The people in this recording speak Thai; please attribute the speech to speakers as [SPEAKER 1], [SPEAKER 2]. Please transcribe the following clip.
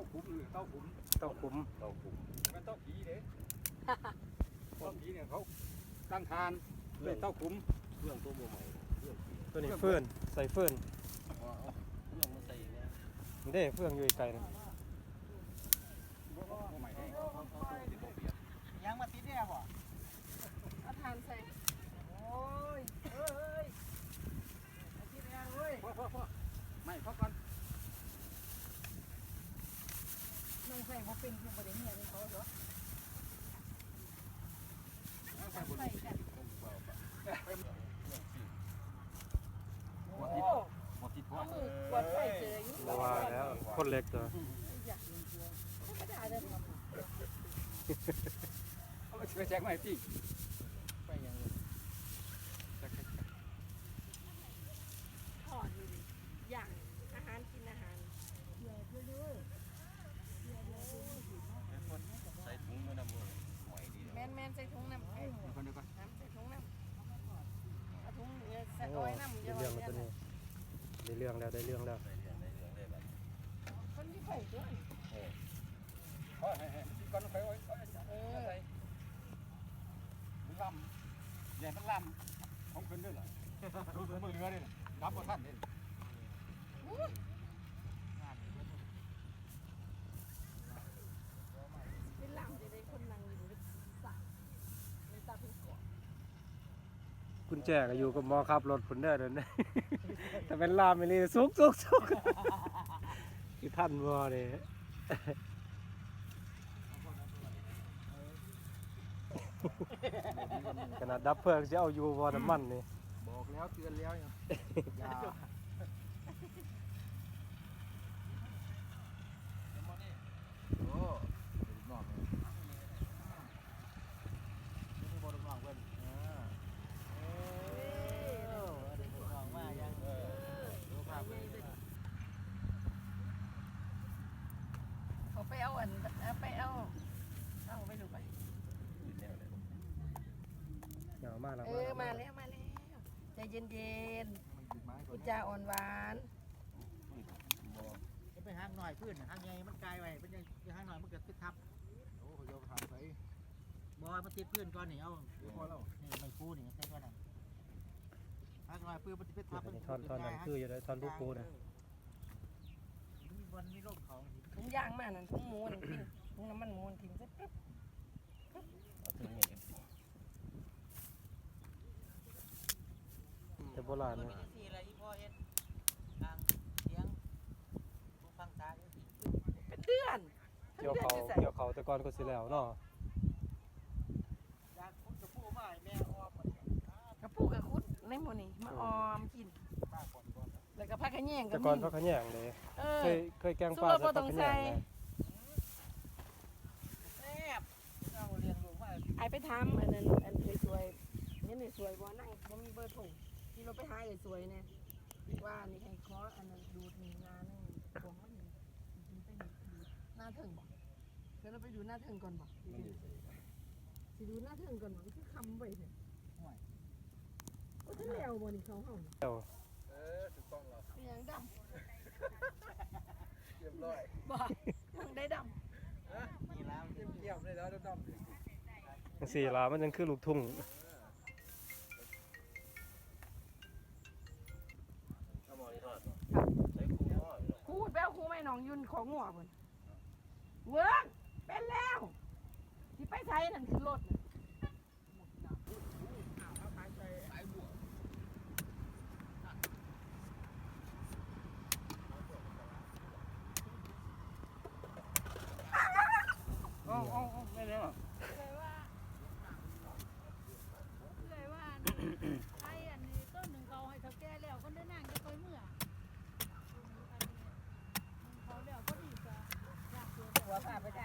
[SPEAKER 1] ขุมหรือเต้าขุม
[SPEAKER 2] เต้าขุม
[SPEAKER 1] มันเต้าผีเด้เต้าผีเนี่ยเขาตั้งทานเป็นเต้าขุม
[SPEAKER 3] เครื่องตัวใหม่เครื่อง
[SPEAKER 2] ตัวนี้เฟื่อนใส่เฟื่อน
[SPEAKER 3] เครื่องมาใส่เนี่ย
[SPEAKER 2] เด้เฟื่องอยู่ไกลนะ
[SPEAKER 1] ใหม่ได้
[SPEAKER 4] ยังมาติดเนี่ยบ่
[SPEAKER 5] เอาทานใส่
[SPEAKER 4] โอ้ยเอ้ยมาติดเนี่ยเว้ย
[SPEAKER 1] พ่อไม่พ่อก่อน
[SPEAKER 5] น้องใส่บ่เป็นคือบ่ได้เฮียนี่เขาเหรอ
[SPEAKER 1] ใส่บน
[SPEAKER 5] ใส่กัน
[SPEAKER 1] หัวทิศหัวทิศหัว
[SPEAKER 5] เอามือกวาดใส่เจออยู่
[SPEAKER 2] บ่ว่าแล้วคนเล็กตัว
[SPEAKER 5] อยากธรรมดาเด้อ
[SPEAKER 1] เอาไปแจกใหม่พี่
[SPEAKER 4] ไปยัง
[SPEAKER 5] ถอดอยู่ดิอย่างอาหารกินอาหาร
[SPEAKER 3] ใส่ถุงมือน้ำมือหอยดี
[SPEAKER 5] แม่นๆใส่ถุงน้ำเอ้ย
[SPEAKER 1] เดี๋ยวก่อน
[SPEAKER 5] น้ำใส่ถุงน้ำเอาถุงใส่
[SPEAKER 2] โอ้
[SPEAKER 5] อ้อยน้ำ
[SPEAKER 2] ได้เรื่องแล้วตัวนี้ได้เรื่องแล้วได้เรื่องแล้ว
[SPEAKER 3] ใส่เรื่องได้แบบ
[SPEAKER 5] คนที่ใส่ด้วย
[SPEAKER 1] พ่อให้ก่อนไปไว้ใส่มันลำใหญ่มันลำของขึ้นด้วยเหรอดูมือเรือด้วยรับบ่ท่านเด่น
[SPEAKER 5] เป็นหลังจะได้คนนั่งอยู่ในสระในตาเป็นเกาะ
[SPEAKER 2] กุญแจก็อยู่กับหมอขับรถผุนเด้อเดี๋ยวนี้ แต่เป็นลามไม่เลยสุกคือท่านบ่เนี่ย ขนาดดับเพลิงจะเอาอยู่บ่น้ำมันนี่
[SPEAKER 4] บอกแล้วเตือนแล้วยังอย่าโอ้นอกเลยนี่บอลนอกเว้ยเด็กนอกมายังดูภาพเลย
[SPEAKER 5] เขาไปเอาไปเอาไปดูไป
[SPEAKER 2] อย่ามาแล้ว
[SPEAKER 5] มาแล้วใจเย็นๆพูดจาอ่อนหวาน
[SPEAKER 4] ไปห้างหน่อยพื้นห้างใหญ่มันไกลไปเป็นยังห้างหน่อยมันเกิดติดทับโอ้โหโยมทำไปบอยมันติดพื้นก่อนนี่เอาพอแล้วนี่ไม่คู่นี่ใช่ก่อนนั่นห้างหน่อยพื้นมันติดทับ
[SPEAKER 2] ท่อนนั้นคืออยู่ได้ท่อนลูกปูนะ
[SPEAKER 4] มีบอลมีร่มเขา
[SPEAKER 5] ถุงยางมานั่นถุงหมูนั่นกินถุงน้ำมันหมูนทิ้งซะปึ๊บ
[SPEAKER 3] ถึงอย่าง
[SPEAKER 2] แต่โบราณนะ
[SPEAKER 4] สี่อะไรอีพ่อเฮ็ดทางเสียงผู้ฟังตา
[SPEAKER 5] เป็นเดือน
[SPEAKER 2] เกี่ยวเขาแต่ก่อนก็สิแล้วเนาะ
[SPEAKER 4] อยากคุณจะพูดว่าแม่ออม
[SPEAKER 5] กระปุกกระคุดในหมูนี่มาออมกิน
[SPEAKER 4] ป้าก่อนก่อน
[SPEAKER 5] แล้วก็พักกระแยงกั
[SPEAKER 2] แต่
[SPEAKER 5] บ
[SPEAKER 2] ก่อนเขาขะแยงเลย
[SPEAKER 5] เออ
[SPEAKER 2] เคยแกงปลา
[SPEAKER 5] สู้เราบ่ต้องใส่
[SPEAKER 4] แซ่บเราเรียนรู้ว่า
[SPEAKER 5] ไอไปทำอันนั้นอันสวยๆนี่นี่สวยบ่นั่งบ่มีเบอร์โทรที่เราไปหาสวยๆเนี่ยว่านี่ให้ขออันนั้นดูดนี่งานนึงผมมันนี่ไปดูหน้าถึงบ่เดี๋ยวเราไปดูหน้าถึงก่อนบ่สิดูหน้าถึงก่อนบ่คือคำไว้เถอะโอ้ท่านแล้วบ่นี่เขาเฮา
[SPEAKER 2] เจ้า
[SPEAKER 4] ถูกต้องแล้ว
[SPEAKER 5] เป็นหยังดำ
[SPEAKER 4] เรียบร้อย
[SPEAKER 5] บ่ยังได้ดำ
[SPEAKER 4] นี่แล้วเยี่ยมเลยแล้วดำ
[SPEAKER 2] จังสี่ลามันยังคือลูกทุ่ง
[SPEAKER 3] ถ้ามองที่ทอดใช้คู่ทอด
[SPEAKER 5] คูดแป้วคูไม่น้องยุ่นของหัวเพิ่นเวิร์กเป็นแล้วที่ไปไทยนั่นคือรถน่ะ
[SPEAKER 1] ไม่ได้หรอ
[SPEAKER 6] เลยว่าไอ้อันนี้ต้นหนึ่งเขาให้เขาแก่แล้วก็ได้นั่งจะคอยเมื่อเขาแล้วก็ดีกว่าอยากเสีย
[SPEAKER 5] หัวพาไปไท